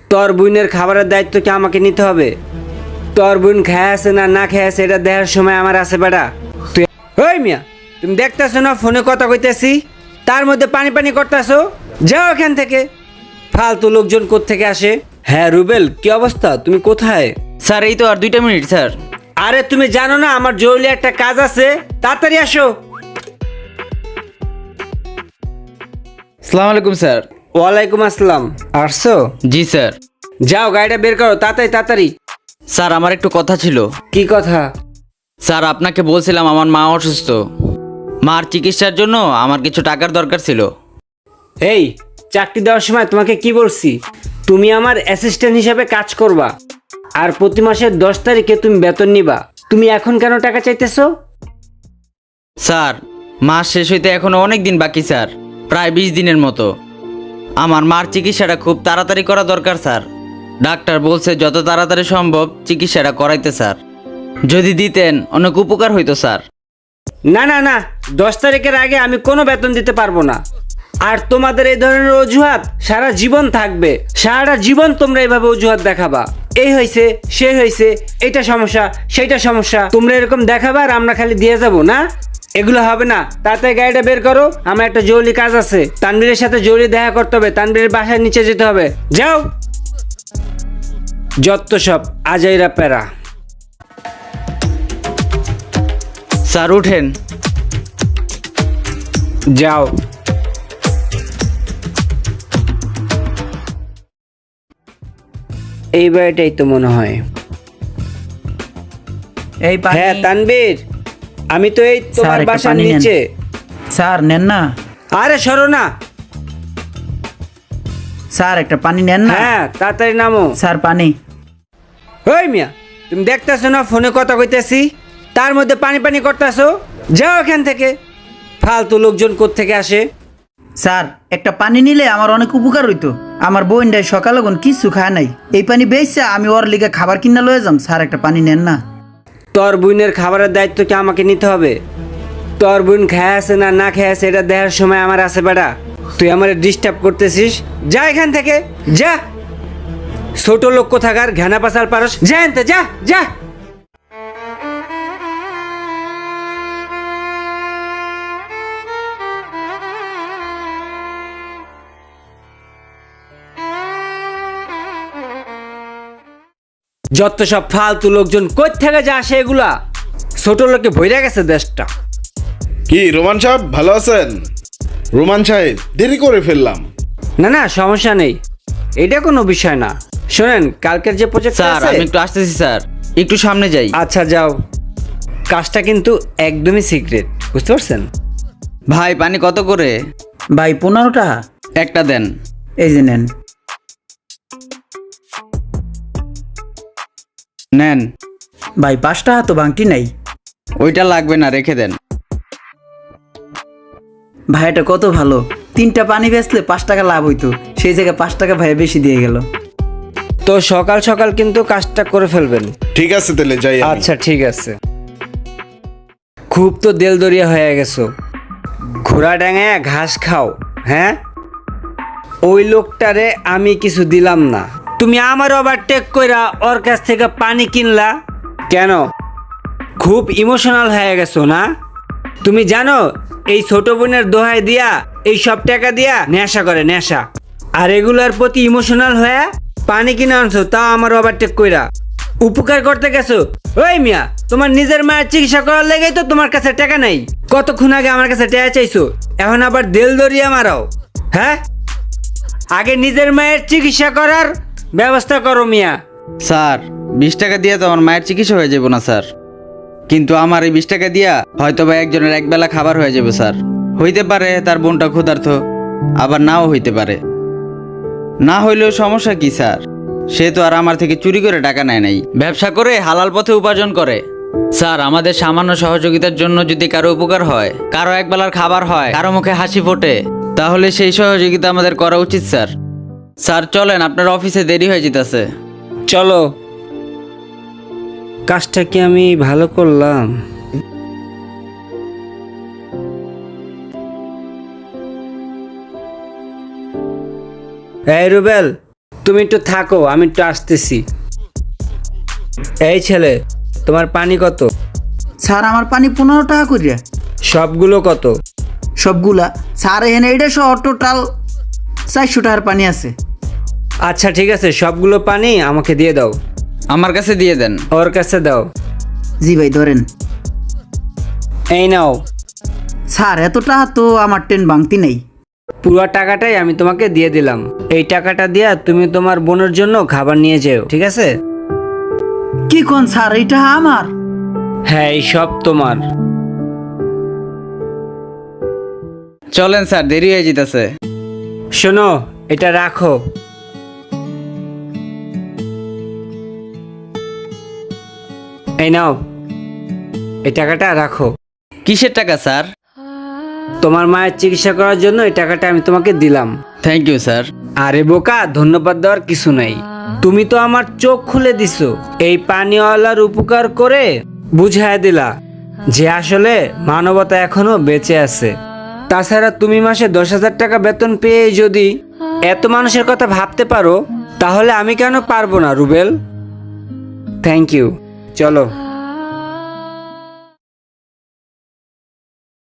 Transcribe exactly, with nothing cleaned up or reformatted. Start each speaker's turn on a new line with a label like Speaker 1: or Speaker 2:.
Speaker 1: তোর বোনের খাবারের দায়িত্ব কি আমাকে নিতে হবে? তোর বোন খেয়ে আছে না না খেয়ে আছে এটা দেখার সময় আমার আছে বেটা। তুই ওই মিয়া, তুমি দেখতেছো না ফোনে কথা কইতেছি, তার মধ্যে পানি পানি করতেছো? যাও এখান থেকে। ফালতু লোকজন কোত্থেকে আসে? হ্যাঁ রুবেল, কি অবস্থা? তুমি কোথায়?
Speaker 2: স্যার এই তো আর দুইটা মিনিট স্যার।
Speaker 1: আরে তুমি জানো না আমার জরুরি একটা কাজ আছে, তাড়াতাড়ি আসো।
Speaker 2: আসসালামু আলাইকুম স্যার।
Speaker 1: ওয়ালাইকুম আসসালাম। আসছো?
Speaker 2: জি স্যার।
Speaker 1: যাও গাড়িটা বের করো তাড়াতাড়ি তাড়াতাড়ি।
Speaker 2: স্যার আমার একটু কথা ছিল।
Speaker 1: কি কথা?
Speaker 2: স্যার আপনাকে বলছিলাম আমার মা অসুস্থ, মার চিকিৎসার জন্য আমার কিছু টাকার দরকার ছিল।
Speaker 1: এই চাকরি দেওয়ার সময় তোমাকে কি বলছি? তুমি আমার অ্যাসিস্ট্যান্ট হিসাবে কাজ করবা, আর প্রতি মাসের দশ তারিখে তুমি বেতন নিবা। তুমি এখন কেন টাকা চাইতেছো?
Speaker 2: স্যার মাস শেষ হইতে এখনো অনেক দিন বাকি স্যার, প্রায় বিশ দিনের মতো। আমার মার চিকিৎসাটা খুব তাড়াতাড়ি করা দরকার স্যার। ডাক্তার বলছে যত তাড়াতাড়ি সম্ভব চিকিৎসাটা করাইতে স্যার। যদি দিতেন অনেক উপকার হইতো স্যার।
Speaker 1: না না না, দশ তারিখের আগে আমি কোনো বেতন দিতে পারবো না। আর তোমাদের এই ধরনের অজুহাত সারা জীবন থাকবে। সারাটা জীবন তোমরা এইভাবে অজুহাত দেখাবা, এই হয়েছে সে হয়েছে, এটা সমস্যা সেইটা সমস্যা। তোমরা এরকম দেখাবা আর আমরা খালি দিয়ে যাব না, এগুলো হবে না। তাড়াতাড়ি গাড়িটা বের করো, আমার একটা জরুরি কাজ আছে। তানবীরের সাথে জরুরি দেখা করতে হবে, তানবীরের বাসায় নিচে যেতে হবে। যাও। যত সব আজাইরা প্যারা।
Speaker 2: স্যার উঠেন।
Speaker 1: যাও। এই বাড়িটাই তো মনে হয়।
Speaker 3: এই পানি।
Speaker 1: হ্যাঁ তানবীর, আমি তো এই তোমার
Speaker 3: স্যার, একটা
Speaker 1: বাসার
Speaker 3: পানি নেন।
Speaker 1: নিচে।
Speaker 3: স্যার নেন না।
Speaker 1: আরে সরো না।
Speaker 3: স্যার একটা পানি নেন না।
Speaker 1: হ্যাঁ তাড়াতাড়ি নামো।
Speaker 3: স্যার পানি।
Speaker 1: ওই মিয়া, তুমি দেখতেছো না ফোনে কথা কইতেছি, তার মধ্যে পানি পানি করতেছো? যাও এখান থেকে। ফালতু লোকজন কোত্থেকে আসে?
Speaker 3: স্যার একটা পানি নিলে আমার অনেক উপকার হইতো। আমার বোনটাই সকালে কোন কিছু খায় নাই, এই পানি বেচছে আমি ওর লিগে খাবার কিনা লয়ে যাম। স্যার একটা পানি নেন না।
Speaker 1: তোর বোনের খাবারের দায়িত্ব কি আমাকে নিতে হবে? তোর বোন খেয়ে আছে না না খেয়ে আছে এটা দেখার সময় আমার আছে বেটা। তুই আমার ডিস্টার্ব করতেছিস, যা এখান থেকে যা। ছোট লোক কোথাকার, ঘেনা পাচাল পারস, যা এনতে যা যা। যত সব ফালতু লোকজন কই থেকে যা আসে, এগুলা ছোট লোকে ভইরা গেছে দেশটা।
Speaker 4: কি রোমান সাহেব ভালো আছেন? রোমান সাহেব দেরি করে ফেললাম।
Speaker 1: না না সমস্যা নেই, এটা কোনো বিষয় না। শোনেন, কালকের যে প্রজেক্ট
Speaker 2: স্যার
Speaker 1: আছে।
Speaker 2: আমি একটু আসতেছি স্যার, একটু সামনে যাই।
Speaker 1: আচ্ছা যাও। কাজটা কিন্তু একদমই সিক্রেট, বুঝতে পারছেন?
Speaker 2: ভাই পানি কত করে?
Speaker 3: ভাই পনেরো টাকা।
Speaker 2: একটা দেন।
Speaker 3: এই যে নেন।
Speaker 2: নেন।
Speaker 3: ভাই পাঁচ টাকা তো বাংটি নাই।
Speaker 2: ওইটা লাগবে না, রেখে দেন।
Speaker 3: ভাই এটা কত ভালো, তিনটা পানি বেচলে পাঁচ টাকা লাভ হইতো, সেই জায়গায় পাঁচ টাকা ভাই বেশি দিয়ে গেল।
Speaker 1: তো সকাল সকাল কিন্তু কাজটা করে ফেলবেন।
Speaker 4: ঠিক আছে তাহলে যাই আমি।
Speaker 1: আচ্ছা ঠিক আছে। খুব তো দেলদরিয়া হয়ে গেছো, ঘোড়া ডাঙায় ঘাস খাও। হ্যাঁ, ওই লোকটারে আমি কিছু দিলাম না, তুমি আমার ওভারটেক কইরা ওর কাছ থেকে পানি কিনলা কেন? খুব ইমোশনাল হয়ে গেছো না? তুমি জানো এই ছোট বোনের দোহাই দিয়া এই সব টাকা দিয়া নেশা করে, নেশা। আর এগুলার প্রতি ইমোশনাল হয়ে পানি কিনে আনছো, তাও আমার ওভারটেক কইরা। উপকার করতে গেছো? ওই মিয়া, তোমার নিজের মায়ের চিকিৎসা করার লেগেই তো তোমার কাছে টাকা নেই। কতক্ষণ আগে আমার কাছে টাকা চাইছো, এখন আবার দেল দরিয়া মারাও? হ্যাঁ, আগে নিজের মায়ের চিকিৎসা করার ব্যবস্থা করো মিয়া।
Speaker 2: স্যার বিশ টাকা দিয়ে তো আমার মায়ের চিকিৎসা হয়ে যাবো না স্যার, কিন্তু আমার এই বিশ টাকা দিয়া হয়তো বা একজনের একবেলা খাবার হয়ে যাবে স্যার। হইতে পারে তার বোনটা ক্ষুধার্ত, আবার নাও হইতে পারে। না হইলেও সমস্যা কি স্যার? সে তো আর আমার থেকে চুরি করে টাকা নেয় নাই, ব্যবসা করে হালাল পথে উপার্জন করে। স্যার আমাদের সামান্য সহযোগিতার জন্য যদি কারো উপকার হয়, কারো একবেলার খাবার হয়, কারো মুখে হাসি ফোটে, তাহলে সেই সহযোগিতা আমাদের করা উচিত স্যার। স্যার চলেন, আপনার অফিসে দেরি হয়ে যেতেছে।
Speaker 1: চলো। কাজটা কি আমি ভালো করলাম? এই রুবেল, তুমি একটু থাকো, আমি একটু আসতেছি। এই ছেলে, তোমার পানি কত?
Speaker 3: স্যার আমার পানি পনেরো টাকা করিয়া।
Speaker 1: সবগুলো কত?
Speaker 3: সবগুলা স্যার এখানে এটা সহ টোটাল চারশো টাকার পানি আছে।
Speaker 1: আচ্ছা ঠিক আছে, সবগুলো পানি আমাকে দিয়ে দাও।
Speaker 2: আমার কাছে দিয়ে দেন।
Speaker 1: ওর কাছে দাও।
Speaker 3: জি ভাই ধরেন।
Speaker 1: এই নাও।
Speaker 3: স্যার এত টাকা তো আমার ট্রেন ভাঙতি নেই।
Speaker 1: পুরো টাকাটাই আমি তোমাকে দিয়ে দিলাম। এই টাকাটা দিয়া তুমি তোমার বোনের জন্য খাবার নিয়ে যেও, ঠিক আছে?
Speaker 3: কি কোন স্যার, এটা আমার?
Speaker 1: হ্যাঁ, এই সব তোমার।
Speaker 2: চলেন স্যার, দেরি হয়ে যেতেছে।
Speaker 1: শোনো, এটা রাখো। এই নাও, এই টাকাটা রাখো।
Speaker 2: কিসের টাকা স্যার?
Speaker 1: তোমার মায়ের চিকিৎসা করার জন্য এই টাকাটা আমি তোমাকে দিলাম।
Speaker 2: Thank you sir.
Speaker 1: আরে বোকা, ধন্যবাদ দেওয়ার কিছু নাই। তুমি তো আমার চোখ খুলে দিছো। এই পানিওয়ালার উপকার করে বুঝায় দিলা যে আসলে মানবতা এখনো বেঁচে আছে। তাছাড়া তুমি মাসে দশ হাজার টাকা বেতন পেয়ে যদি এত মানুষের কথা ভাবতে পারো, তাহলে আমি কেন পারবো না রুবেল? Thank you. চলো।